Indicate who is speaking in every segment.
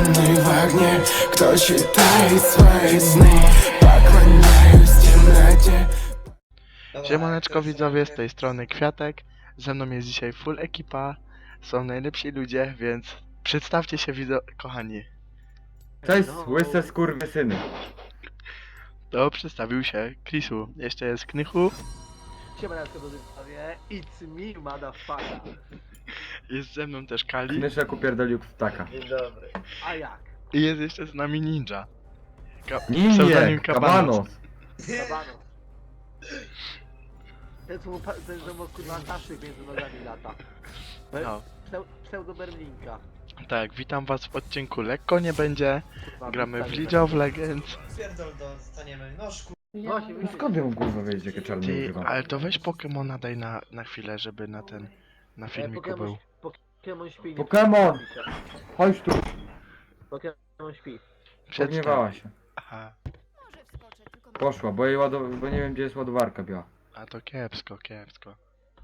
Speaker 1: Zakochany w ognie, kto czytaje swoje sny. Pokłaniаюсь w темноcie.
Speaker 2: Siemaneczko widzowie, z tej strony Kwiatek. Ze mną jest dzisiaj full ekipa. Są najlepsi ludzie, więc przedstawcie się kochani.
Speaker 3: Cześć, łyse skurwysyny.
Speaker 2: To przedstawił się Chrisu. Jeszcze jest Knychu.
Speaker 4: Siemaneczko do widzowie, it's me motherfucker.
Speaker 2: Jest ze mną też Kali.
Speaker 3: Knyszek upierdolił ptaka.
Speaker 4: Dzień dobry. A jak?
Speaker 2: I jest jeszcze z nami Ninja.
Speaker 3: Ninja,
Speaker 2: Pseudonim
Speaker 3: kabanos.
Speaker 4: Kabano. Ten co mu kurwa taszyk między nogami lata.
Speaker 2: No.
Speaker 4: Pseudo Berlinka.
Speaker 2: Tak, witam was w odcinku Lekko nie będzie.
Speaker 4: Kurwa,
Speaker 2: Gramy w
Speaker 4: wstanie
Speaker 2: League of Legends.
Speaker 5: Pierdol dostaniemy, no szkur...
Speaker 4: No się
Speaker 3: No skąd ją kurwa wiedzieć, jakie czarne
Speaker 2: Ty,
Speaker 3: używam?
Speaker 2: ale to weź Pokemona daj na chwilę, żeby na filmiku był.
Speaker 4: Pokemon śpi. nie
Speaker 3: Pokemon!
Speaker 4: przejmuj się.
Speaker 3: Chodź tu,
Speaker 4: Pokemon śpi.
Speaker 3: pogniewała się.
Speaker 2: Aha,
Speaker 3: Poszła, bo nie wiem gdzie jest ładowarka biała.
Speaker 2: a to kiepsko, kiepsko.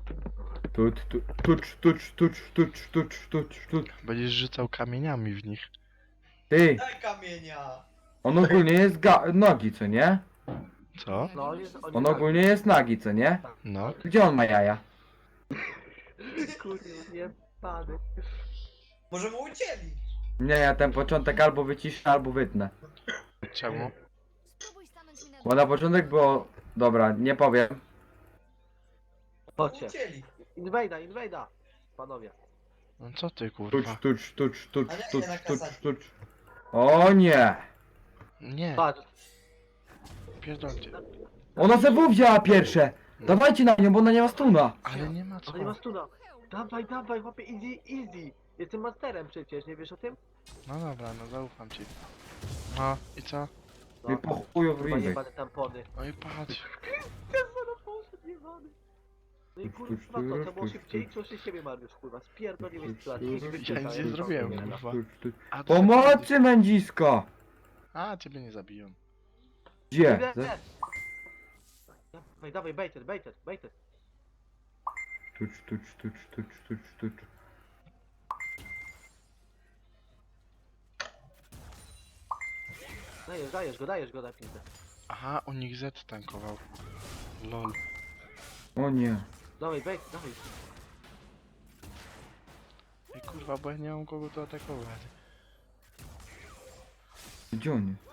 Speaker 3: Tucz.
Speaker 2: Będziesz rzucał kamieniami w nich.
Speaker 3: Ty,
Speaker 5: Daj kamienia!
Speaker 3: on ogólnie jest nogi, co nie?
Speaker 2: Co?
Speaker 4: No
Speaker 3: On ogólnie jest nagi, co nie?
Speaker 2: No.
Speaker 3: Gdzie on ma jaja?
Speaker 4: Kurwa, nie pady.
Speaker 5: Może mu ucięli?
Speaker 3: Nie, ja ten początek albo wyciszę, albo wytnę.
Speaker 2: Czemu?
Speaker 3: Bo na początek było... Dobra, nie powiem.
Speaker 4: Chodźcie.
Speaker 5: Ucięli.
Speaker 4: Inwejda. Panowie.
Speaker 2: No co ty kurwa?
Speaker 3: Tucz. O nie!
Speaker 2: Nie,
Speaker 4: Patrz.
Speaker 2: pierdolcie.
Speaker 3: Ona ze wzięła pierwsze! Dawajcie na nią, bo ona nie ma stuna!
Speaker 2: Ale nie ma co.
Speaker 4: Ale nie ma stuna. Dawaj, chłopie, easy. Jestem masterem przecież, nie wiesz o tym?
Speaker 2: No dobra, no zaufam ci. No i co?
Speaker 3: I po chuju w
Speaker 4: Kurwa,
Speaker 3: ringy.
Speaker 4: jebane tampony.
Speaker 2: No i patrz.
Speaker 4: No i kurwa to było szybciej, co się siebie Mariusz, kurwa, spierdolimy z sytuacji.
Speaker 2: Ja nic nie zrobiłem kurwa. A,
Speaker 3: Pomocy mędzisko!
Speaker 2: A, ciebie nie zabiją.
Speaker 3: Gdzie?
Speaker 4: Dawaj, baited.
Speaker 3: Tucz.
Speaker 4: Dajesz go na pizdę.
Speaker 2: Aha, u nich Z tankował. Lol.
Speaker 3: O nie.
Speaker 4: Dawaj.
Speaker 2: Ej kurwa, bo ja nie mam kogo tu atakować.
Speaker 3: Gdzie on jest?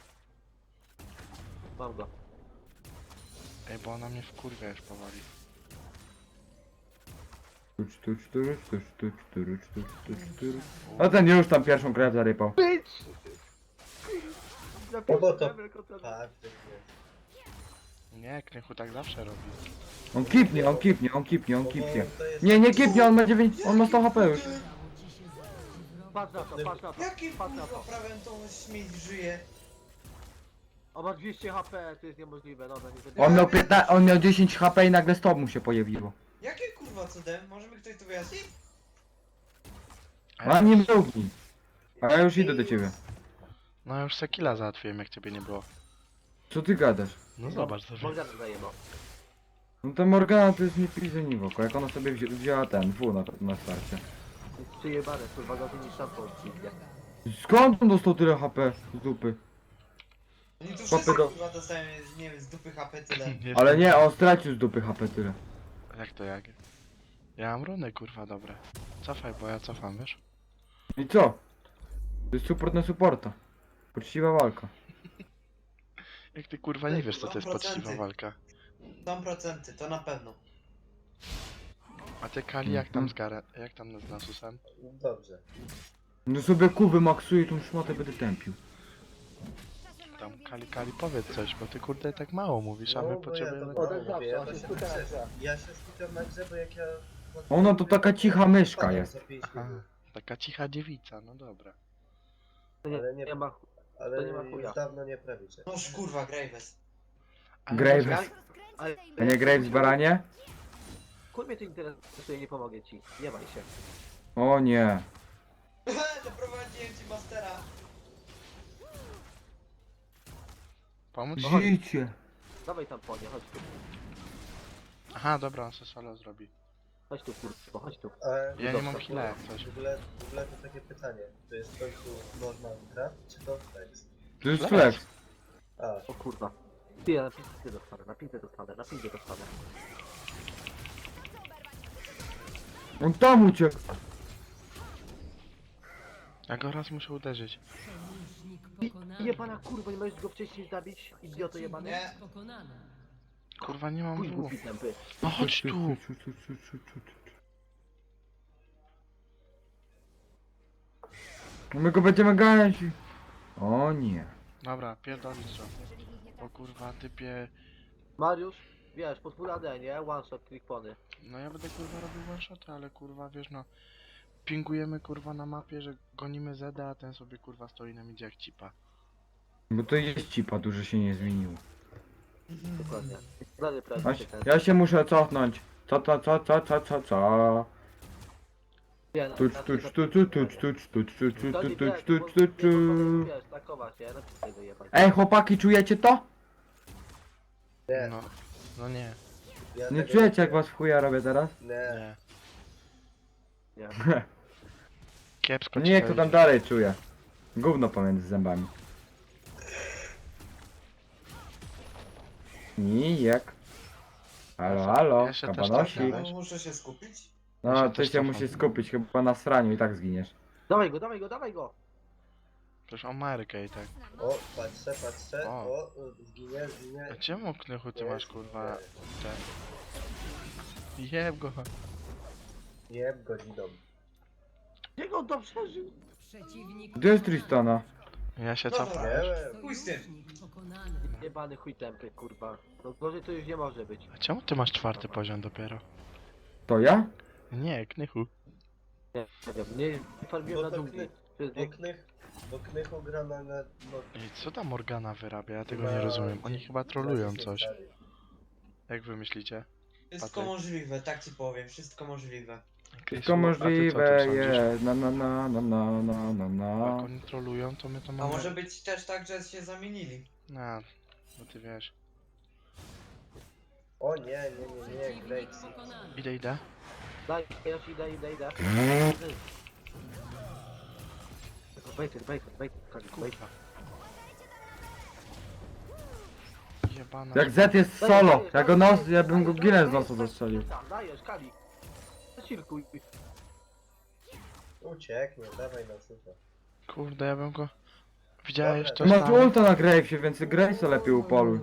Speaker 4: Mam go.
Speaker 2: Ej, bo ona mnie wkurwia już powoli.
Speaker 3: Tucz. A ten już tam pierwszą krew zarypał.
Speaker 5: bo to- Tak, to jest.
Speaker 2: Nie, Knychu tak zawsze robi.
Speaker 3: On kipnie.
Speaker 5: To jest...
Speaker 3: Nie kipnie, on ma 9, on ma 100 HP już.
Speaker 4: Patrz na to.
Speaker 5: Jakim
Speaker 4: Patrz na
Speaker 5: kurwa
Speaker 4: to.
Speaker 5: prawem tą śmieć żyje?
Speaker 4: On ma 200 HP, to jest niemożliwe, dobra, nie będę.
Speaker 3: On miał 10 HP i nagle 100 mu się pojawiło.
Speaker 5: Jakie kurwa cudem? Może mi ktoś to wyjaśni?
Speaker 3: A nie mrugnij. A ja już idę do ciebie.
Speaker 2: No już se killa załatwiłem, jak ciebie nie było.
Speaker 3: Co ty gadasz?
Speaker 2: No zobacz sobie.
Speaker 4: Morgana zajebał.
Speaker 3: No to Morgana to jest nie pizzy w oko, jak ona sobie wzięła ten W na starcie.
Speaker 4: Jest przyjebane, kurwa, gorzej niż szampon pizdzie.
Speaker 3: Skąd on dostał tyle HP z dupy?
Speaker 5: Oni tu
Speaker 3: Chłopy
Speaker 5: wszyscy
Speaker 3: do-
Speaker 5: kurwa dostają, nie wiem, z dupy HP tyle.
Speaker 3: Ale nie, on stracił z dupy HP tyle.
Speaker 2: Jak to jak? Ja mam runy kurwa dobre. Cofaj, bo ja cofam, wiesz?
Speaker 3: I co? To jest support na supporta. Poczciwa walka.
Speaker 2: Jak ty kurwa nie wiesz co to jest
Speaker 5: 2%.
Speaker 2: poczciwa walka.
Speaker 5: Są procenty, to na pewno.
Speaker 2: A ty Kali jak tam z jak tam z Nasusem?
Speaker 5: Dobrze.
Speaker 3: No sobie kuby maksuję, tą szmatę będę tępił.
Speaker 2: Tam Kali powiedz coś, bo ty kurde tak mało mówisz, a my potrzebujemy...
Speaker 4: O, tak zawsze, on się skupia na grze.
Speaker 5: Ja się skupiam na grze, bo jak ja...
Speaker 3: Ona to taka cicha myszka jest.
Speaker 2: Aha, taka cicha dziewica, no dobra.
Speaker 4: To nie ma...
Speaker 5: Ale
Speaker 4: to nie ma chuja.
Speaker 5: już dawno nie prawicie. Noż kurwa, Graves.
Speaker 2: Ale
Speaker 3: Graves.
Speaker 4: Ale...
Speaker 3: A nie Graves baranie?
Speaker 4: Kur mnie to interesuje, nie pomogę ci. Nie maj się.
Speaker 3: O nie.
Speaker 5: Doprowadziłem ci mastera.
Speaker 2: Pomóc?
Speaker 3: Życie.
Speaker 4: Dawaj tam po nie, chodź tu.
Speaker 2: Aha, dobra, on se solo zrobi.
Speaker 4: Chodź tu kurwa, chodź tu.
Speaker 2: Ja nie mam heala jak coś.
Speaker 5: W ogóle to takie pytanie. To jest w końcu normal draft, czy to flex?
Speaker 3: To jest
Speaker 2: Flex.
Speaker 3: flex.
Speaker 5: A,
Speaker 4: O kurwa. Ty, ja na pizdę dostanę, na pizdę dostanę, na pizdę dostanę.
Speaker 3: On tam uciekł.
Speaker 2: Ja go raz muszę uderzyć.
Speaker 4: Jebana kurwa, nie możesz go wcześniej zabić? Idioto jebany.
Speaker 5: nie.
Speaker 2: Kurwa, nie mam
Speaker 4: Chuj
Speaker 2: W.
Speaker 4: głupi tępy.
Speaker 2: No chodź tu!
Speaker 3: No my go będziemy ganiać. O nie.
Speaker 2: Dobra, pierdolić to. O kurwa, typie...
Speaker 4: Mariusz, wiesz, pod full AD, nie? One shot, clickpony.
Speaker 2: No ja będę kurwa robił one shoty, ale kurwa wiesz no... Pingujemy kurwa na mapie, że gonimy Zeda, a ten sobie kurwa stoi na midzie jak cipa.
Speaker 3: Bo to jest cipa, dużo się nie zmieniło.
Speaker 4: Dokładnie. Dalej
Speaker 3: Ja
Speaker 4: prawie
Speaker 3: się,
Speaker 4: ten.
Speaker 3: ja się muszę cofnąć. Co?
Speaker 4: Nie,
Speaker 3: Tucz,
Speaker 4: na-
Speaker 3: tucz,
Speaker 4: na-
Speaker 3: tucz, tucz, tucz, tucz, tucz, tucz, tucz,
Speaker 4: Dali
Speaker 3: tucz,
Speaker 4: wiesz,
Speaker 3: tucz,
Speaker 4: bo-
Speaker 3: tucz,
Speaker 4: nie, bo
Speaker 3: tucz.
Speaker 4: wiesz, takować, nie? Na pizdę wyjebać.
Speaker 3: Ej, chłopaki, czujecie to?
Speaker 5: Nie.
Speaker 2: No. No nie.
Speaker 5: Ja
Speaker 3: Nie
Speaker 5: tego
Speaker 3: czujecie jak was w chuja robię teraz?
Speaker 5: Nie.
Speaker 2: Nie.
Speaker 4: Nie.
Speaker 2: Kiepsko ci
Speaker 3: Nie,
Speaker 2: to
Speaker 3: kto tam
Speaker 2: idzie.
Speaker 3: dalej czuje. Gówno pomiędzy zębami. Nijek. Halo,
Speaker 2: Ja się też
Speaker 3: kabanosik.
Speaker 2: tak
Speaker 5: No, muszę się skupić?
Speaker 2: Ja
Speaker 3: No,
Speaker 2: się
Speaker 3: ty
Speaker 2: też
Speaker 3: się
Speaker 2: cofam.
Speaker 3: musisz skupić, chyba na sraniu i tak zginiesz.
Speaker 4: Dawaj go, dawaj go, dawaj go!
Speaker 2: Przecież o Markę i tak.
Speaker 5: O, patrzę.
Speaker 2: O.
Speaker 5: O, zginie.
Speaker 2: A czemu Knychu ty masz
Speaker 5: Jest,
Speaker 2: kurwa ten... Jeb go.
Speaker 5: Jeb godziną.
Speaker 4: Jak on to przeżył?
Speaker 3: Gdzie jest Tristana?
Speaker 2: Ja się
Speaker 5: No
Speaker 2: cofam.
Speaker 5: nie, pójdź z tym.
Speaker 4: Jebany chuj tępy, kurwa. No gorzej to już nie może być.
Speaker 2: A czemu ty masz 4 poziom dopiero?
Speaker 3: To ja?
Speaker 2: Nie, Knychu.
Speaker 4: Nie wiem, nie farmiłem
Speaker 5: Bo
Speaker 4: na
Speaker 5: to
Speaker 4: długi.
Speaker 5: kny-
Speaker 4: To jest
Speaker 5: Bo Knychu gra na... No,
Speaker 2: Ej, co ta Morgana wyrabia? Ja tego
Speaker 5: na-
Speaker 2: nie rozumiem. Oni chyba trolują
Speaker 5: 10
Speaker 2: coś.
Speaker 5: stary.
Speaker 2: Jak wy myślicie?
Speaker 5: Wszystko
Speaker 2: Patryk.
Speaker 5: możliwe, tak ci powiem, wszystko możliwe.
Speaker 3: Wszystko
Speaker 2: A ty co
Speaker 3: możliwe
Speaker 2: sądzisz?
Speaker 3: jest. Na.
Speaker 2: Jak oni trolują, to my to
Speaker 5: A
Speaker 2: mamy...
Speaker 5: może być też tak, że się zamienili.
Speaker 2: No, bo ty wiesz.
Speaker 5: O nie, Graves.
Speaker 2: Idę.
Speaker 4: Daj, ja ci idę. Bejter,
Speaker 2: Kurwa. Jebana.
Speaker 3: Jak Z jest solo, ja go nos, ja bym go ginę z nosa zastrzelił.
Speaker 4: Dajesz, Kali. Zacirkuj.
Speaker 5: Ucieknie, dawaj na super.
Speaker 2: Kurde, ja bym go... Widziałeś
Speaker 5: Dobra,
Speaker 2: to
Speaker 3: Masz
Speaker 2: tam?
Speaker 3: ulta na Gravesie, więc Gravesa lepiej upoluj.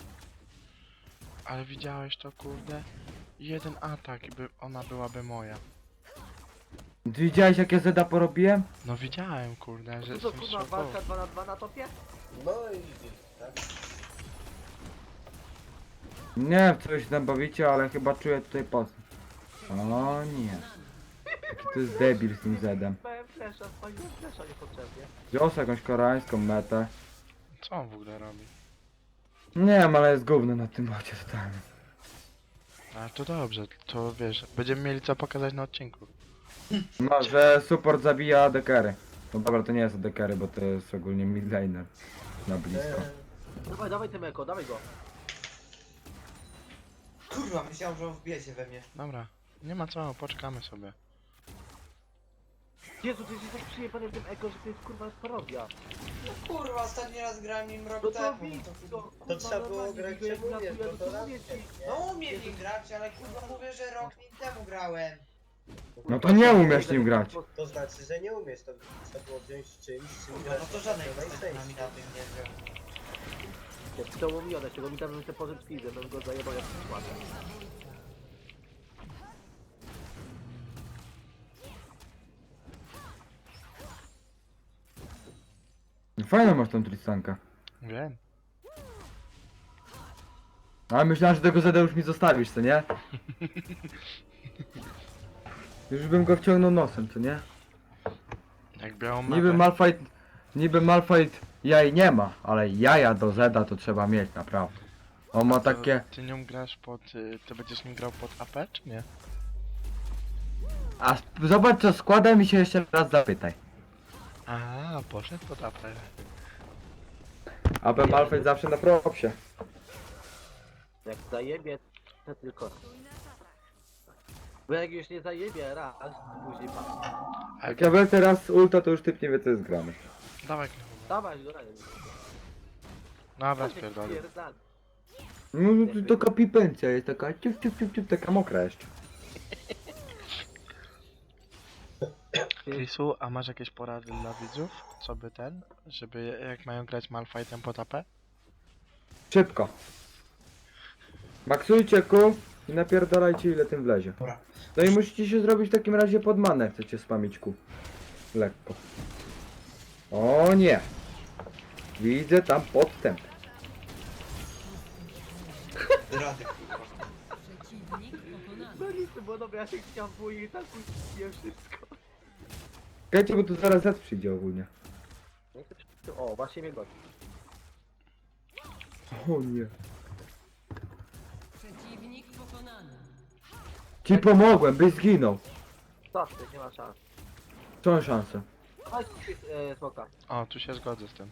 Speaker 2: Ale widziałeś to, kurde? Jeden atak i ona byłaby moja.
Speaker 3: Ty widziałeś jak ja Zeda porobiłem?
Speaker 2: No widziałem, kurde, że
Speaker 4: To co,
Speaker 2: jestem
Speaker 4: kurwa,
Speaker 2: szokowy.
Speaker 4: walka 2 na 2 na topie?
Speaker 5: No i tak.
Speaker 3: Nie wiem co wy się tam bawicie, ale chyba czuję tutaj post. O nie. Jaki to jest debil z tym Zedem.
Speaker 4: Spałem flesza, spaliłem flesza niepotrzebnie.
Speaker 3: Wziął jakąś koreańską metę.
Speaker 2: Co on w ogóle robi?
Speaker 3: Nie wiem, ale jest gówno na tym bocie totalnie.
Speaker 2: Ale to dobrze, to wiesz, będziemy mieli co pokazać na odcinku.
Speaker 3: No, że support zabija AD-carry. No dobra, to nie jest AD-carry, bo to jest ogólnie midlaner. Na blisko.
Speaker 4: Dawaj tym eko, dawaj go.
Speaker 5: Kurwa, myślałem, że on wbijecie we mnie.
Speaker 2: Dobra, nie ma co, poczekamy sobie.
Speaker 4: Jezu, ty jesteś tak przyjebany w tym eko, że to jest kurwa parodia.
Speaker 5: No kurwa, ostatni raz grałem nim rok
Speaker 4: No to
Speaker 5: temu.
Speaker 4: widz,
Speaker 5: To,
Speaker 4: to,
Speaker 5: to trzeba było grać,
Speaker 4: normalnie
Speaker 5: gdzie mówię,
Speaker 4: gratuluję,
Speaker 5: to raz.
Speaker 4: mówię ci.
Speaker 5: No umiem nim grać, ale kurwa mówię, że rok nim temu grałem.
Speaker 3: No to nie umiesz nim grać.
Speaker 5: To znaczy, że nie umiesz, to trzeba było wziąć czymś, czym Kurwa, no to żadnej najczęściej. postać na tym nie wziął.
Speaker 4: To było mi one, czego mi tam bym się pożył z pizem, bym go zajebał jak przykład.
Speaker 3: Fajną masz tą Tristankę.
Speaker 2: Wiem.
Speaker 3: Ale myślałem, że tego Zeda już mi zostawisz, co nie? Już bym go wciągnął nosem, co nie?
Speaker 2: Jak białą
Speaker 3: Niby Malphite jaj nie ma, ale jaja do Zeda to trzeba mieć, naprawdę. On ma takie...
Speaker 2: Ty nią grasz pod... Ty będziesz nim grał pod AP, czy nie?
Speaker 3: A zobacz co składa mi się jeszcze raz zapytaj.
Speaker 2: A, poszedł pod AP.
Speaker 3: AB Malphite zawsze na propsie.
Speaker 4: Jak zajebie, to tylko. Bo jak już nie zajebie raz, to później pan.
Speaker 3: Jak ja wlecę raz ulta, to już typ nie wie co jest grane.
Speaker 2: Dawaj,
Speaker 4: Dawaj go dalej.
Speaker 2: dobra, spierdolę.
Speaker 4: Pierdal.
Speaker 3: No to taka pipencja jest taka ciup, taka mokra jeszcze.
Speaker 2: Chrisu, a masz jakieś porady dla widzów? Co by żeby jak mają grać Malfightem pod AP?
Speaker 3: Szybko. Maksujcie Q i napierdalajcie ile tym wlezie.
Speaker 5: Dobra.
Speaker 3: No i musicie się zrobić w takim razie pod manę, jak chcecie spamić Q. Lekko. O nie. Widzę tam podstęp.
Speaker 5: Rady, kurwa.
Speaker 4: No nic, to było dobre, ja się chciałem pójść i tak puściłem wszystko.
Speaker 3: Czekajcie, bo tu zaraz Z przyjdzie ogólnie.
Speaker 4: O, właśnie mnie gości.
Speaker 3: O nie.
Speaker 6: Przeciwnik pokonany.
Speaker 3: Ci pomogłem, byś zginął.
Speaker 4: Co ty, nie ma szans.
Speaker 3: Co mam szansę?
Speaker 4: Chodź, smoka.
Speaker 2: O, tu się zgodzę z tym.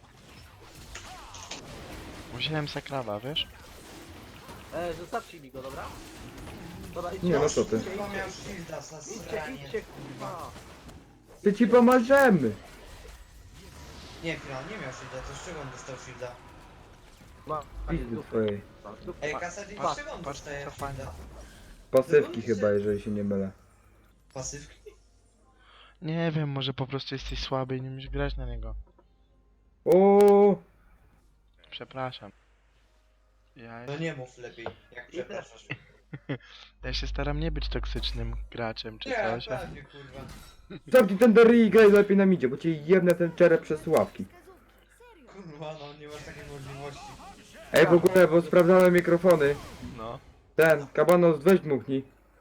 Speaker 2: Wziąłem sakrawa, wiesz?
Speaker 4: Zostawcie mi go, dobra? Dobra, idźcie.
Speaker 3: Nie, no co ty.
Speaker 5: Kurwa miał shielda za
Speaker 4: Idźcie,
Speaker 5: sranie.
Speaker 4: idźcie, kurwa.
Speaker 3: Ty ci pomożemy.
Speaker 5: Nie, chwila, nie miał shielda, to z czego on dostał shielda?
Speaker 4: Ma,
Speaker 3: Pizdy twojej.
Speaker 5: Ej, Kasady,
Speaker 2: patrz,
Speaker 5: z czego on
Speaker 2: patrz,
Speaker 5: dostaje
Speaker 2: co fajne.
Speaker 5: shielda?
Speaker 3: Pasywki chyba, jeżeli się nie mylę.
Speaker 5: Pasywki?
Speaker 2: Nie wiem, może po prostu jesteś słaby i nie umiesz grać na niego.
Speaker 3: O,
Speaker 2: Przepraszam.
Speaker 5: No nie mów lepiej, jak przepraszasz.
Speaker 2: Ja się staram nie być toksycznym graczem czy
Speaker 5: Nie,
Speaker 2: coś.
Speaker 5: pewnie, kurwa.
Speaker 3: Zamknij ten Derry i graj lepiej na midzie, bo cię jebnę ten czerep przez ławki.
Speaker 5: Kurwa, no nie masz takiej możliwości.
Speaker 3: Ej, w ogóle, bo sprawdzałem mikrofony.
Speaker 2: No.
Speaker 3: Ten, Kabanos, weź dmuchnij.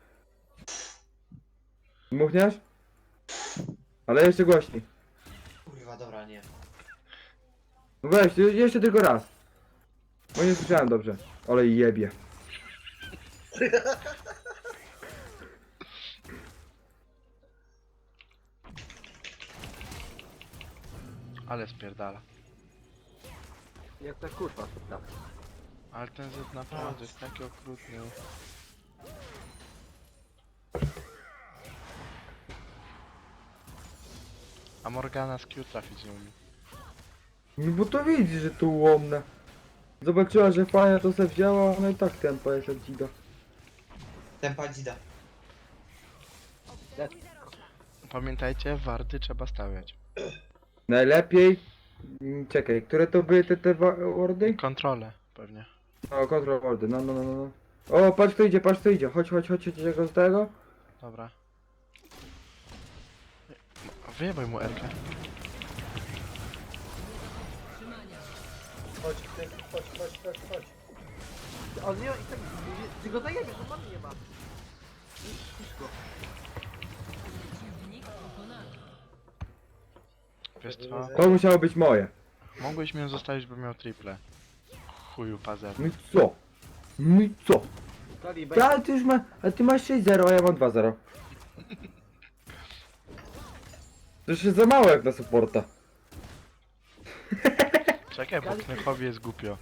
Speaker 3: Dmuchniasz? Ale jeszcze głośniej.
Speaker 5: Kurwa, dobra, nie.
Speaker 3: No weź, jeszcze tylko raz. Bo nie słyszałem dobrze. Ale jebie.
Speaker 2: Ale spierdala.
Speaker 4: Jak ta kurwa, tak.
Speaker 2: Ale ten Z naprawdę jest taki okrutny. A Morgana z Q trafić nie umie.
Speaker 3: No bo to widzisz, że tu łomne. Zobaczyła, że fajna to se wzięła, no i tak tempo jest jak dzida.
Speaker 5: Tempa dzida.
Speaker 2: Pamiętajcie, warty trzeba stawiać.
Speaker 3: Najlepiej... Czekaj, które to były te wordy?
Speaker 2: Kontrolę pewnie.
Speaker 3: O, control wordy, no. O, patrz kto idzie, Chodź go z tego.
Speaker 2: Dobra. Wyjebaj mu Erkę.
Speaker 5: Chodź, chodź.
Speaker 4: On nie, i tak, ty go zajebiesz, on mamy nie ma. Cicho.
Speaker 6: Przeciwnik pokonany.
Speaker 2: Wiesz co?
Speaker 3: To musiało być moje.
Speaker 2: Mogłeś mnie zostawić, bo miał triple. Chuju pazer.
Speaker 3: No i co? No i co?
Speaker 4: Kali,
Speaker 3: Ty, ale ty już ma... Ale ty masz 6-0, a ja mam 2-0. To już jest za mało jak na supporta.
Speaker 2: Czekaj, bo Knychowi jest głupio.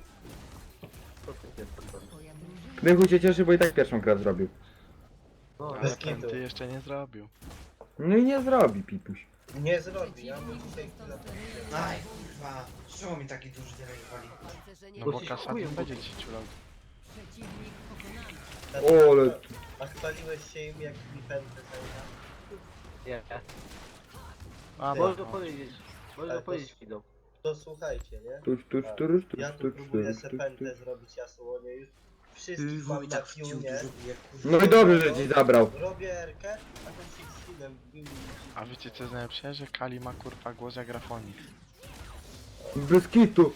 Speaker 6: Twoja drużyna
Speaker 3: Knychu się cieszy, bo i tak pierwszą grę zrobił.
Speaker 4: No,
Speaker 2: Ale
Speaker 5: bez
Speaker 2: ten
Speaker 5: kitu.
Speaker 2: ty jeszcze nie zrobił.
Speaker 3: No i nie zrobi, Pipuś.
Speaker 5: Nie zrobi, ja mu
Speaker 6: przeciwnik
Speaker 5: dzisiaj
Speaker 6: został
Speaker 5: chwilę...
Speaker 6: sterylizowany.
Speaker 5: Aj, kurwa. Z czego mi taki duży damage wali?
Speaker 6: Pancerzenie
Speaker 2: No bo
Speaker 4: się
Speaker 2: Kasadin
Speaker 4: chujem
Speaker 2: będzie
Speaker 4: mówi.
Speaker 2: ci ciulał.
Speaker 6: Przeciwnik pokonany.
Speaker 3: O, ale...
Speaker 5: A spaliłeś się im jak mi pędzę zajęła?
Speaker 4: nie.
Speaker 2: A,
Speaker 4: Można
Speaker 2: no.
Speaker 4: powiedzieć. Można
Speaker 5: Ale to-
Speaker 4: powiedzieć widzą.
Speaker 5: To słuchajcie, nie?
Speaker 3: Tuż,
Speaker 5: Ja tu próbuję se pętlę zrobić jasłonie już. Wszystkich mam na tunie.
Speaker 3: No i dobrze, że ci zabrał.
Speaker 5: Robię erkę, a ten się z filmem
Speaker 2: A wiecie co jest najlepsze? Że Kali ma kurwa głos jak grafonik.
Speaker 3: Bez kitu.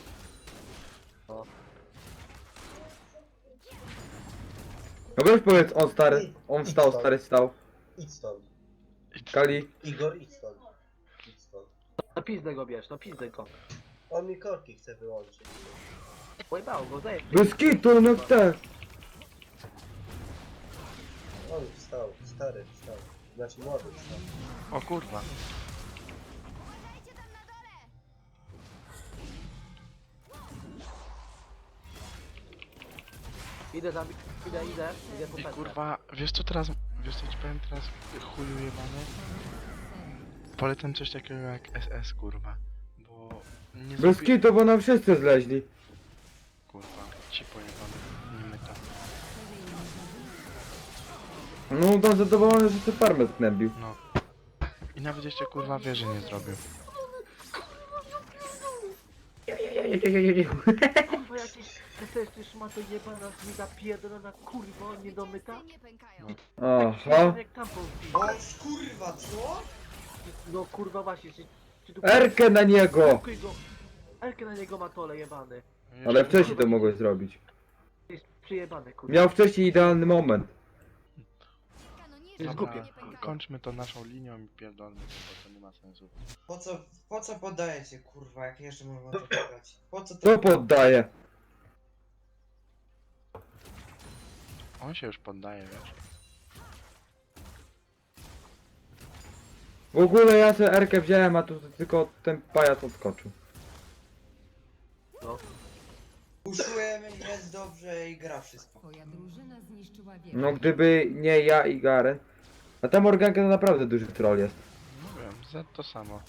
Speaker 3: No weź powiedz, on stary, on wstał, stary wstał.
Speaker 5: Idź stąd.
Speaker 3: Kali,
Speaker 5: Igor, idź stąd. Idź stąd.
Speaker 4: Na pizdę go bierz, na pizdę go.
Speaker 5: On mi korki chce wyłączyć.
Speaker 4: Pojebało go, zajeb.
Speaker 3: bez kitu, no te.
Speaker 5: On wstał, stary wstał. Znaczy młody wstał.
Speaker 2: O kurwa.
Speaker 4: Idę po
Speaker 2: I
Speaker 4: pętlę.
Speaker 2: kurwa, wiesz co teraz... Wiesz co ci powiem teraz, chuju jebany? Polecam coś takiego jak SS, kurwa. Bo nie
Speaker 3: Bez kitu, bo nam wszyscy zleźli.
Speaker 2: Kurwa, ci pojebany, nie my to.
Speaker 3: No to zadowolony, że sobie farmę sknębił.
Speaker 2: No. I nawet jeszcze kurwa wieży nie zrobił.
Speaker 4: Kurwa jakieś SS szmato jebana z zapierdolona kurwa, niedomyta.
Speaker 3: Aha.
Speaker 4: Jak tam powinien.
Speaker 5: O kurwa, co?
Speaker 4: No kurwa właśnie, czy tu...
Speaker 3: Erkę na niego!
Speaker 4: Blokuj go. Erkę na niego ma tole jebany.
Speaker 3: Ale wcześniej to mogłeś zrobić.
Speaker 4: Jest przyjebany kurwa.
Speaker 3: Miał wcześniej idealny moment.
Speaker 4: Jest
Speaker 2: Dobra,
Speaker 4: głupie.
Speaker 2: kończmy to naszą linią i pierdolmy to, bo to nie ma sensu.
Speaker 5: Po co poddajecie, kurwa, jak jeszcze można to grać? Po co to?
Speaker 3: To poddaje.
Speaker 2: On się już poddaje, wiesz.
Speaker 3: W ogóle ja sobie Erkę wziąłem, a tu tylko ten pajac odskoczył.
Speaker 5: Uszujemy, jest dobrze i gra wszystko.
Speaker 6: Twoja drużyna zniszczyła wieżę.
Speaker 3: No gdyby nie ja i Garen. A ta Morganka to naprawdę duży troll jest.
Speaker 2: Nie wiem, Z to samo.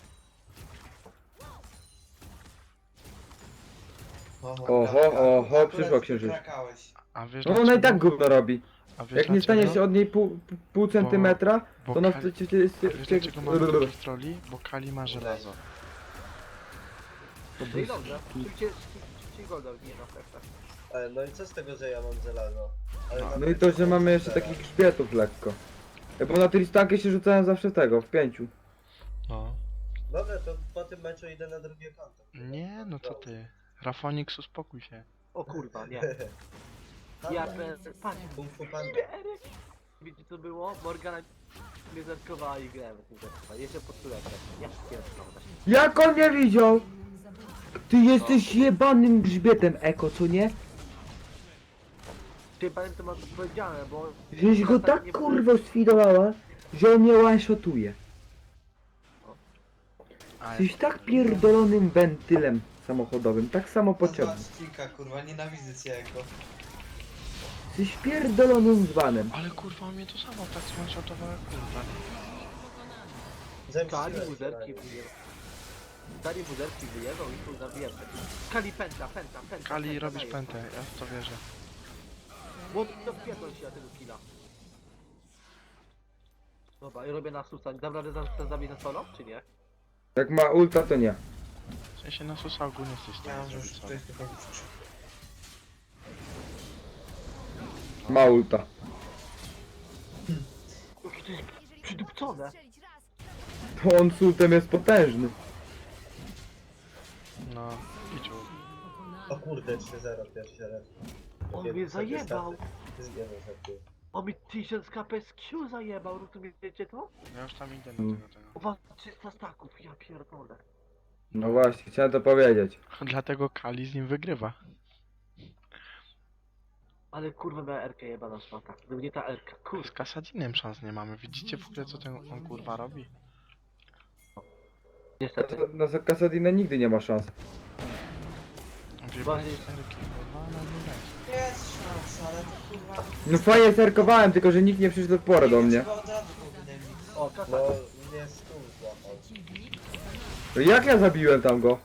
Speaker 3: Oho, przyszła księżyc.
Speaker 2: A wiesz
Speaker 3: No ona i tak gówno robi.
Speaker 2: A wiesz
Speaker 3: Jak nie
Speaker 2: dlaczego?
Speaker 3: stanie się od niej pół centymetra,
Speaker 2: Bo
Speaker 3: to ona
Speaker 2: Kali-
Speaker 3: wtedy jest...
Speaker 2: A wiesz dlaczego mamy takich troli? Bo Kali ma żelazo.
Speaker 4: No i dobrze. Szybciej golda wbije na sercach.
Speaker 5: Ale no i co z tego, że ja mam żelazo? Ale
Speaker 3: No i to, że mamy jeszcze takich grzbietów lekko. Bo na Tristankę się rzucałem zawsze tego, w 5.
Speaker 2: No.
Speaker 5: Dobra, to po tym meczu idę na drugie konto.
Speaker 2: Nie, no co ty. Rafonix, uspokój się.
Speaker 4: O kurwa, nie.
Speaker 5: Dobra.
Speaker 4: Ja patrz.
Speaker 5: Kung Fu Panda.
Speaker 4: Wiecie co było? Morgana mnie zerkowała i grałem w tym zerkowała. Jeszcze pod turetem. Ja pierdolę.
Speaker 3: Jak on nie widział? Ty jesteś jebanym grzbietem, Eko, co nie?
Speaker 4: Ty pamiętam to masz powiedziane, bo...
Speaker 3: Żeś go tak kurwa sfidowała, że on mnie one-shotuje.
Speaker 2: Ale
Speaker 3: Jesteś tak pierdolonym wentylem samochodowym, tak samo potrzebny.
Speaker 5: Kilka, kurwa, nienawidzę cię jako.
Speaker 3: Jesteś pierdolonym dzbanem.
Speaker 2: Ale kurwa mnie to samo tak smanshotowało jak kurwa.
Speaker 4: Kali buzerki wyjebał. Kali buzerki wyjebał i tu zabijam. Kali pęta.
Speaker 2: Kali robisz pętę, ja w to wierzę.
Speaker 4: Bo to wpierdol się na tego killa. Dobra, i robię na susa. Dam radę zabić na solo, czy nie?
Speaker 3: Jak ma ulta, to nie.
Speaker 2: W sensie na susa ogólnie jesteś w
Speaker 5: Ja
Speaker 2: stanie
Speaker 5: mam już
Speaker 2: zrobić sobie.
Speaker 5: coś powiedzieć.
Speaker 3: Ma ulta.
Speaker 4: Jakie to jest przydupcone.
Speaker 3: To on z ultem jest potężny.
Speaker 2: No, idź
Speaker 5: O kurde, 3-0 pierwszy raz.
Speaker 4: On mnie zajebał.
Speaker 5: Zginął żartuję.
Speaker 4: On mi 1000 kp z Q zajebał, rozumiecie to?
Speaker 2: Ja już tam idę na tego.
Speaker 4: O was 300 staków, ja pierdolę.
Speaker 3: No właśnie, chciałem to powiedzieć.
Speaker 2: Dlatego Kali z nim wygrywa.
Speaker 4: Ale kurwa miała Erkę jebana szmata. Gdyby nie ta Erka,
Speaker 2: Z
Speaker 4: kurwa.
Speaker 2: Kasadinem szans nie mamy. Widzicie w ogóle co ten on kurwa robi?
Speaker 4: Niestety.
Speaker 3: Na Kasadina nigdy nie ma szans.
Speaker 2: Wie
Speaker 4: Właśnie-
Speaker 2: Erki, kurwa, no nie weź.
Speaker 5: Jest szansa, ale to kurwa...
Speaker 3: No fajnie zerkowałem, tylko że nikt nie przyszedł w porę do mnie.
Speaker 5: Chyba od razu powinien mi...
Speaker 4: O, kasa.
Speaker 5: No, mnie stół złapał.
Speaker 6: Przeciwnik
Speaker 3: To jak ja zabiłem tam go?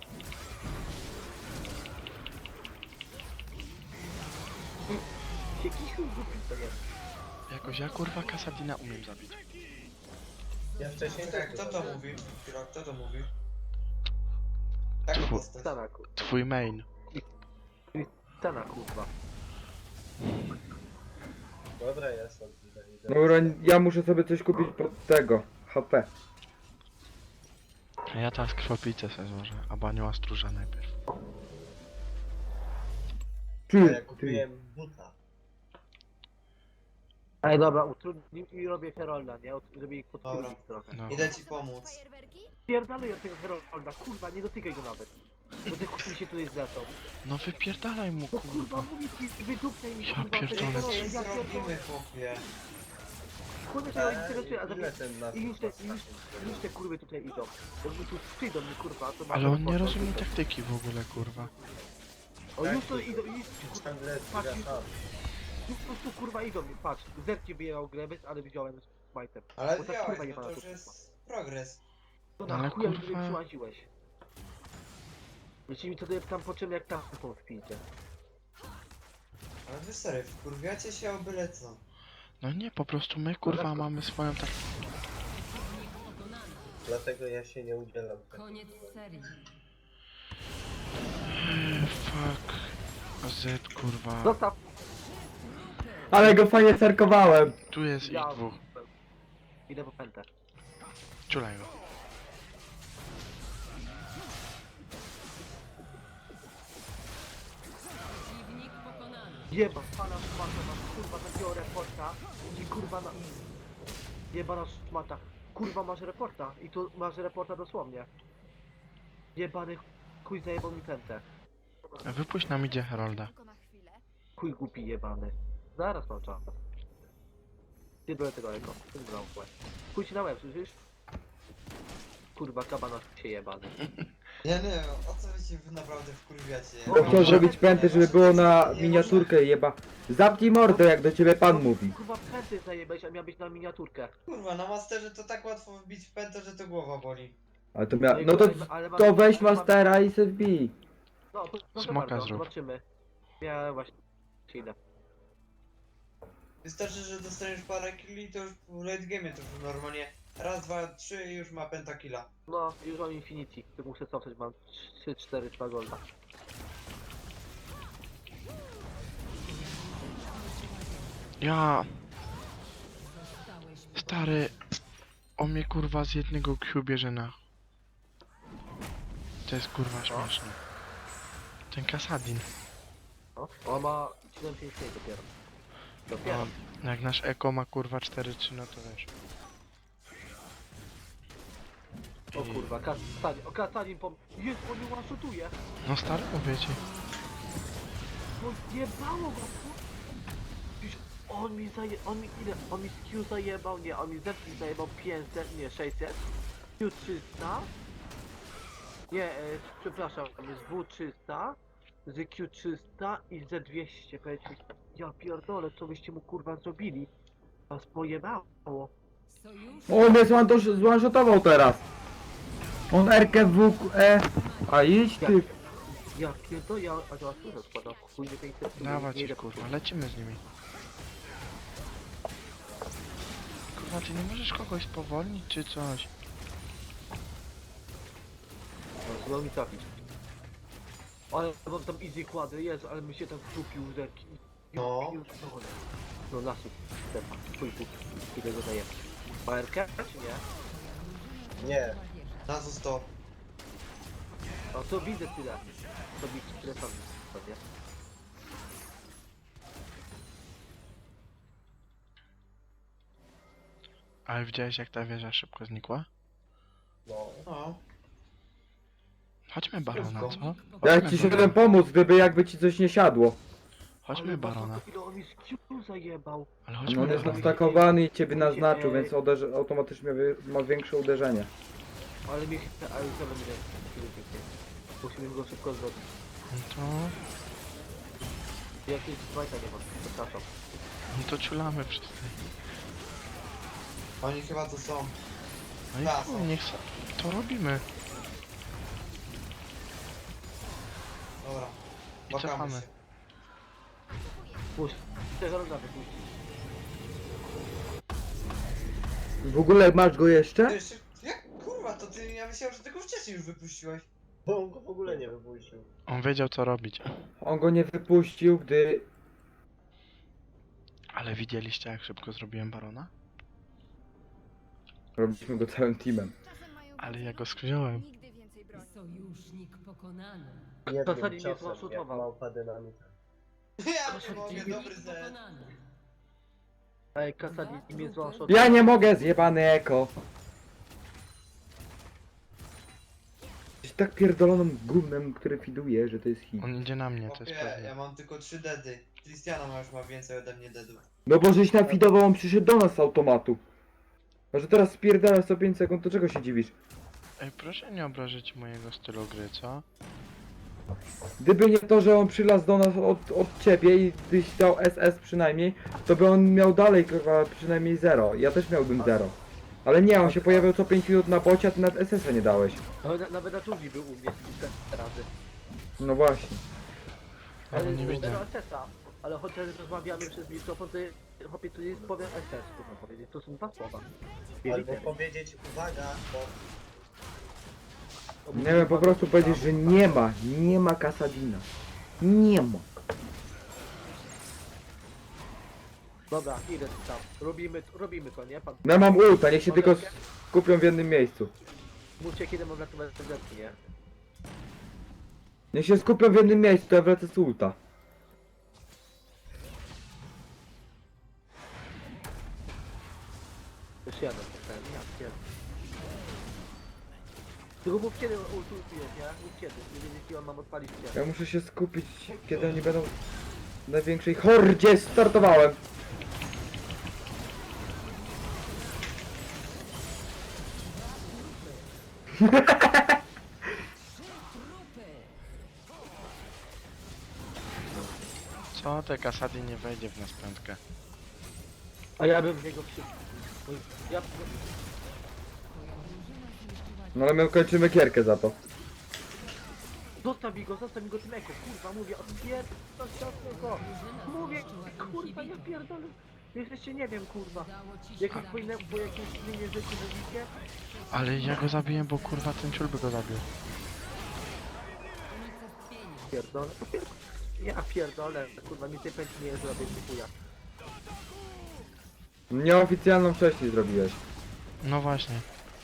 Speaker 4: Jaki chuj głupi to jest.
Speaker 2: Jakoś ja kurwa Kasadina umiem zabić.
Speaker 5: Ja wcześniej tak, kto to mówi? Kto to mówi? Tak,
Speaker 2: Tfu.
Speaker 5: postać.
Speaker 4: Stana kurwa.
Speaker 2: Twój main.
Speaker 4: Stana kurwa.
Speaker 5: Dobra, jest od idę.
Speaker 3: Dobra, ja muszę sobie coś kupić pod tego. HP.
Speaker 2: A ja teraz krwopicę sobie złożę, a banioła stróża najpierw.
Speaker 5: A ja
Speaker 3: Ty.
Speaker 5: kupiłem buta.
Speaker 4: Ej dobra, utrudnij i robię Herolda, nie? Żeby ich
Speaker 5: Dobra.
Speaker 4: podkurwić trochę.
Speaker 2: No.
Speaker 5: Idę ci pomóc.
Speaker 4: Pierdalej od tego Herolda, kurwa, nie dotykaj go nawet. Bo ty chuj się tutaj zlecą.
Speaker 2: No wypierdalaj mu
Speaker 4: No kurwa,
Speaker 2: kurwa.
Speaker 4: mówię ci, wydupnij mi
Speaker 2: Ja
Speaker 4: kurwa tego
Speaker 2: pierdolę.
Speaker 4: Herolda,
Speaker 5: Co
Speaker 4: ja pierdolę.
Speaker 5: zrobimy, chłopie?
Speaker 4: Kurwa, to ja interesuję, a
Speaker 5: Ile
Speaker 4: zatem...
Speaker 5: ten na...
Speaker 4: I już te kurwy tutaj idą. Bo mi tu przyjdą mi kurwa, to ma...
Speaker 2: Ale on nie rozumie taktyki w ogóle kurwa.
Speaker 4: O już to idą, i...
Speaker 5: Ciągle
Speaker 4: Patrz,
Speaker 5: zbiera tam.
Speaker 4: Po prostu kurwa idą mi, patrz, zerki wyjechał Grebes, ale widziałem z majtem.
Speaker 5: Ale
Speaker 4: Bo tak,
Speaker 5: wziąłeś,
Speaker 4: kurwa,
Speaker 5: no
Speaker 4: jebana
Speaker 5: to już
Speaker 4: to
Speaker 5: jest progres.
Speaker 4: No
Speaker 2: Ale
Speaker 4: na chuja mi
Speaker 2: kurwa.
Speaker 4: mnie przyłaziłeś. Myśli mi co tam po czym jak tam wpijcie.
Speaker 5: Ale wy serio, wkurwiacie się o byle co.
Speaker 2: No nie, po prostu my kurwa mamy swoją tak...
Speaker 5: Dlatego ja się nie udzielam.
Speaker 6: Koniec serii.
Speaker 2: Fuck. Z kurwa.
Speaker 4: Zostaw!
Speaker 3: Ale go fajnie cerkowałem.
Speaker 2: Tu jest ich
Speaker 4: Ja...
Speaker 2: dwóch.
Speaker 4: Idę po pętę.
Speaker 2: Ciulaj go.
Speaker 6: Przeciwnik pokonany.
Speaker 4: Jeba, pana szmata, masz kurwa takiego reporta i kurwa na... Jebana szmata. Kurwa masz reporta i tu masz reporta dosłownie. Jebany chuj zajebał mi pętę.
Speaker 2: Wypuść nam idzie Herolda.
Speaker 7: Tylko na chwilę.
Speaker 4: Chuj głupi jebany. Zaraz mam czas. Nie byłem tego eko. Chuj ci na łeb, słyszysz? Kurwa kabana się jebany.
Speaker 5: Ja nie wiem, o co wy się naprawdę wkurwiacie?
Speaker 3: To chciał zrobić pętę, żeby było na miniaturkę jeba. Zamknij mordę, jak do ciebie pan mówi.
Speaker 4: Kurwa pęty zajebałeś, a miał być na miniaturkę.
Speaker 5: Kurwa, na masterze to tak łatwo wbić w pętę, że to głowa boli.
Speaker 3: Ale to
Speaker 4: i
Speaker 3: no to,
Speaker 4: kurwa, ale mam-
Speaker 3: to weź
Speaker 4: ale mam-
Speaker 3: mastera i se wbij.
Speaker 4: No to
Speaker 2: Smoka
Speaker 4: bardzo,
Speaker 2: zrób.
Speaker 4: zobaczymy. Ja właśnie idę.
Speaker 5: Wystarczy, że dostaniesz parę killi, to już w late game to już normalnie raz, dwa, trzy i już ma pentakilla.
Speaker 4: No, już mam Infinity. Tu muszę cofnąć, mam 3, 4, 2 golda.
Speaker 2: Ja...
Speaker 6: Zostałeś
Speaker 2: Stary... On mnie kurwa z jednego Q bierze na... To jest kurwa śmieszne. Ten Kasadin.
Speaker 4: No, on ma 755 dopiero. Dopiero.
Speaker 2: No, jak nasz Eko ma kurwa 4-3, no to wiesz.
Speaker 4: O kurwa, Kasadin. O Kasadin pom... Jest, on mnie one-shotuje.
Speaker 2: No stary, mówię ci.
Speaker 4: No zjebało go, Już on mi on mi ile? On mi z Q zajebał, nie, on mi z Zepki zajebał 500, nie, 600. Q 300. Nie, przepraszam, z W 300. Z Q 300 i z 200. Powiedzcie, ja pierdolę, co byście mu kurwa zrobili? Was pojebało.
Speaker 6: sojusz.
Speaker 3: O, mnie zwanshotował teraz. On RK W, E. A idź ty.
Speaker 4: Ja pierdolę, ja... A to was składam, chuj nie 500.
Speaker 2: Dawać
Speaker 4: nie
Speaker 2: ich
Speaker 4: idę
Speaker 2: kurwa, lecimy z nimi. Kurwa, ty nie możesz kogoś spowolnić czy coś?
Speaker 4: No, mi trafić. Ale mam tam easy kłady, jest, ale mi się tam wtupił rzeki.
Speaker 5: No.
Speaker 4: No lasu, stepa, chuj tu, ile go dajemy. ARK czy nie?
Speaker 5: Nie. Na stop.
Speaker 4: No to widzę tyle. To widzę tyle tam sobie.
Speaker 2: Ale widziałeś jak ta wieża szybko znikła?
Speaker 5: No.
Speaker 2: Chodźmy barona, co?
Speaker 3: Ja ci szedłem pomóc, gdyby jakby ci coś nie siadło.
Speaker 2: Chodźmy
Speaker 4: Ale
Speaker 2: barona.
Speaker 4: patrz, ile on mi z Q zajebał.
Speaker 2: Ale
Speaker 3: No
Speaker 2: chodźmy
Speaker 3: on jest
Speaker 2: barona.
Speaker 3: nastakowany i ciebie naznaczył, więc automatycznie ma większe uderzenie.
Speaker 4: Ale mi ale to będzie. Musimy go szybko zrobić.
Speaker 2: No to...
Speaker 4: Jakieś zwajta nie ma, przepraszam.
Speaker 2: No to ciulamy wszyscy.
Speaker 5: Oni chyba tu są.
Speaker 2: No i
Speaker 5: Tak,
Speaker 2: chuj,
Speaker 5: są.
Speaker 2: niech to robimy.
Speaker 5: Dobra.
Speaker 2: I
Speaker 5: Bakamy
Speaker 2: cofamy.
Speaker 5: się.
Speaker 4: Puść, tego roda wypuścić.
Speaker 3: W ogóle masz go
Speaker 5: Ty
Speaker 3: jeszcze?
Speaker 5: jeszcze... Jak kurwa, to ty... Ja myślałem, że tego wcześniej już wypuściłeś.
Speaker 8: Bo on go w ogóle nie wypuścił.
Speaker 2: On wiedział co robić.
Speaker 3: On go nie wypuścił, gdy...
Speaker 2: Ale widzieliście jak szybko zrobiłem barona?
Speaker 3: Robiliśmy go całym teamem.
Speaker 7: Czasem mają
Speaker 2: Ale
Speaker 7: być
Speaker 2: ja go
Speaker 7: znowu
Speaker 2: skrzyżowałem.
Speaker 7: Nigdy więcej broni.
Speaker 6: Sojusznik pokonany.
Speaker 8: Jednym
Speaker 4: zasadzie mnie
Speaker 8: ciosem,
Speaker 4: zmaszutował.
Speaker 8: jak małpa dynamita.
Speaker 5: Ja nie mogę, dobry
Speaker 6: Przeciwnik
Speaker 5: zet.
Speaker 6: pokonany.
Speaker 4: Ej, Kasadi mnie złącz od...
Speaker 3: Ja nie mogę, zjebany eko. Jesteś tak pierdolonym gównem, który fiduje, że to jest hit.
Speaker 2: On idzie na mnie, to jest
Speaker 5: Chłopie,
Speaker 2: pewne.
Speaker 5: ja mam tylko 3 dedy. Christiana już ma więcej ode mnie dedów.
Speaker 3: No bo żeś nafidował, on przyszedł do nas z automatu. A że teraz spierdalasz co 5 sekund, to czego się dziwisz?
Speaker 2: Ej, proszę nie obrazić mojego stylu gry, co?
Speaker 3: Gdyby nie to, że on przylazł do nas od ciebie i tyś dał SS przynajmniej, to by on miał dalej kurwa przynajmniej 0. Ja też miałbym 0. Ale nie, on się pojawiał co 5 minut na bocie, a ty nawet SS-a nie dałeś.
Speaker 4: Nawet na dżungli był u mnie 4 razy.
Speaker 3: No właśnie.
Speaker 2: Ale nie widzę.
Speaker 4: zero SS-a. Ale chociaż rozmawiamy przez mikrofon, to chłopie tu jest powiem SS, kurwa powiedzieć. To są 2 słowa.
Speaker 5: Albo powiedzieć uwaga, bo
Speaker 3: Nie wiem, po prostu powiedzieć, że nie ma Kasadina. Nie ma.
Speaker 4: Dobra, idę tam. Robimy to, nie? Pan
Speaker 3: Ja mam ulta, niech się tylko skupią w jednym miejscu.
Speaker 4: mówcie kiedy mam ratować zetki, nie?
Speaker 3: Niech się skupią w jednym miejscu, to ja wlecę z ulta.
Speaker 4: Już jadę, ja pierdolę. Tylko mów kiedy ultujesz, nie? Mów kiedy. Nie wiem jaki on mam odpalić kiedy.
Speaker 3: Ja muszę się skupić, kiedy oni będą w największej hordzie. Startowałem.
Speaker 2: Co te Kasady nie wejdzie w nas piątkę?
Speaker 4: A ja bym w niego wsiadł. Ja...
Speaker 3: No ale my kończymy gierkę za to.
Speaker 4: Zostaw mi go tym eko, kurwa, mówię, odpierdol go. Mówię, kurwa, ja pierdolę. Jesteście, nie wiem, kurwa.
Speaker 6: Udało ci się
Speaker 4: Jakieś pójdę po jakimś linie rzeczy mówicie?
Speaker 2: Ale ja go zabiję, bo kurwa ten ciul by go zabił.
Speaker 4: Pierdolę. Ja pierdolę, kurwa, mi tej pętli nie zrobię, dziękuję.
Speaker 3: Nieoficjalną wcześniej zrobiłeś.
Speaker 2: No właśnie.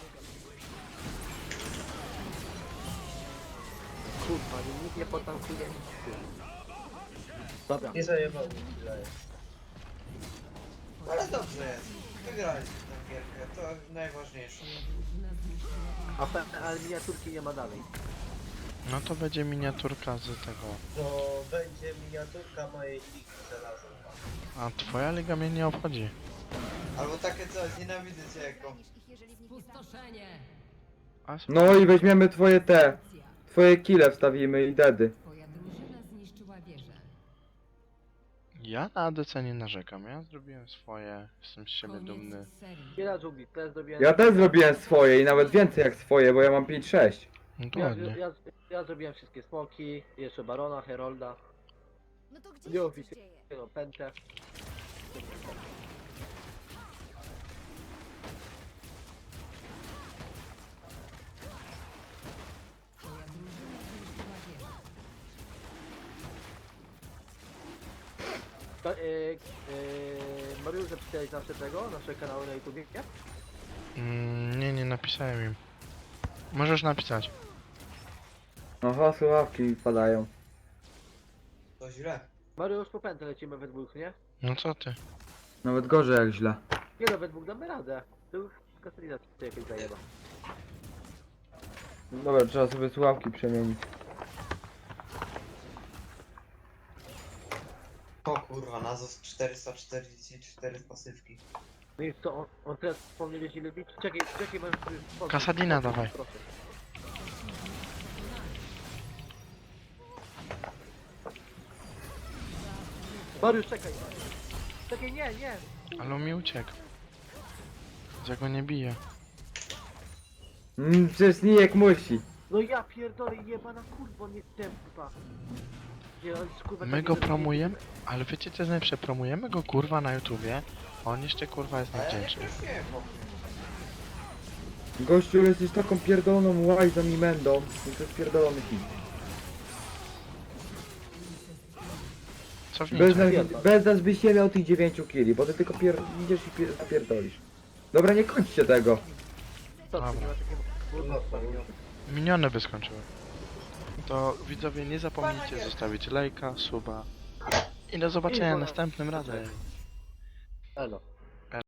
Speaker 4: Kurwa, nikt nie potankuje. Dobra.
Speaker 5: nie zajebał mi tyle. Ale dobrze jest. Wygraliśmy tę gierkę, to najważniejsze.
Speaker 6: drużyna zniszczyła
Speaker 4: Ale miniaturki nie ma dalej.
Speaker 2: No to będzie miniaturka z tego.
Speaker 5: To będzie miniaturka mojej ligi znalazłem.
Speaker 2: A twoja liga mnie nie obchodzi.
Speaker 5: Albo takie coś, nienawidzę cię jako.
Speaker 6: Spustoszenie.
Speaker 2: A sp-
Speaker 3: No i weźmiemy twoje twoje kile wstawimy i dedy.
Speaker 6: Twoja drużyna zniszczyła wieżę.
Speaker 2: Ja na ADC nie narzekam. Ja zrobiłem swoje. Jestem z siebie dumny.
Speaker 6: Koniec serii.
Speaker 4: Nie na dżungli, teraz zrobiłem...
Speaker 3: Ja też zrobiłem swoje i nawet więcej jak swoje, bo ja mam 5-6.
Speaker 2: No to
Speaker 4: Ja,
Speaker 2: ładnie.
Speaker 4: ja zrobiłem wszystkie smoki, jeszcze Barona, Herolda,
Speaker 7: No to gdzie
Speaker 4: nie
Speaker 7: się coś
Speaker 4: oficjalnie,
Speaker 7: dzieje?
Speaker 4: Pętę.
Speaker 6: Twoja drużyna zniszczyła wieżę.
Speaker 4: Mariusz, zapisałeś nasze kanały na YouTube, nie?
Speaker 2: Nie napisałem im. Możesz napisać.
Speaker 3: Aha, słuchawki padają.
Speaker 5: To źle.
Speaker 4: Mariusz, po Pętę lecimy we dwóch, nie?
Speaker 2: No co ty?
Speaker 3: Nawet gorzej jak źle.
Speaker 4: Nie no, we dwóch damy radę. To już Katarina to jakoś zajeba.
Speaker 3: Dobra, trzeba sobie słuchawki przemienić.
Speaker 5: O kurwa, Nazos 444 pasywki.
Speaker 4: No i co, on teraz wspomniał ile bić? Czekaj, Mariusz,
Speaker 2: Kasadina dawaj.
Speaker 4: Proszę. Mariusz, czekaj. Czekaj, nie.
Speaker 2: Ale on mi uciekł. Ja go nie biję.
Speaker 3: Przecież Nijek musi.
Speaker 4: No ja pierdolę, jebana kurwa, nie tempa. Nie, on jest, kurwa,
Speaker 2: My
Speaker 4: taki
Speaker 2: go
Speaker 4: zrobiony.
Speaker 2: promujemy, ale wiecie co jest najlepsze? Promujemy go kurwa na YouTubie, a on jeszcze kurwa jest
Speaker 5: A ja nie
Speaker 2: niewdzięczny.
Speaker 5: prosiłem, chłopie.
Speaker 3: Gościu, jesteś taką pierdoloną łajzą i mędą. I to jest pierdolony hit.
Speaker 2: Cofnijcie.
Speaker 3: Bez nas byś nie miał tych 9 killi, bo ty tylko idziesz i pierdolisz. Dobra, nie kończcie tego.
Speaker 4: Co ty,
Speaker 2: Dobra.
Speaker 4: nie ma takiego brudnostwa, nie?
Speaker 2: Minione by skończyły. To widzowie nie zapomnijcie zostawić lajka, suba i do zobaczenia następnym razem.
Speaker 4: Elo.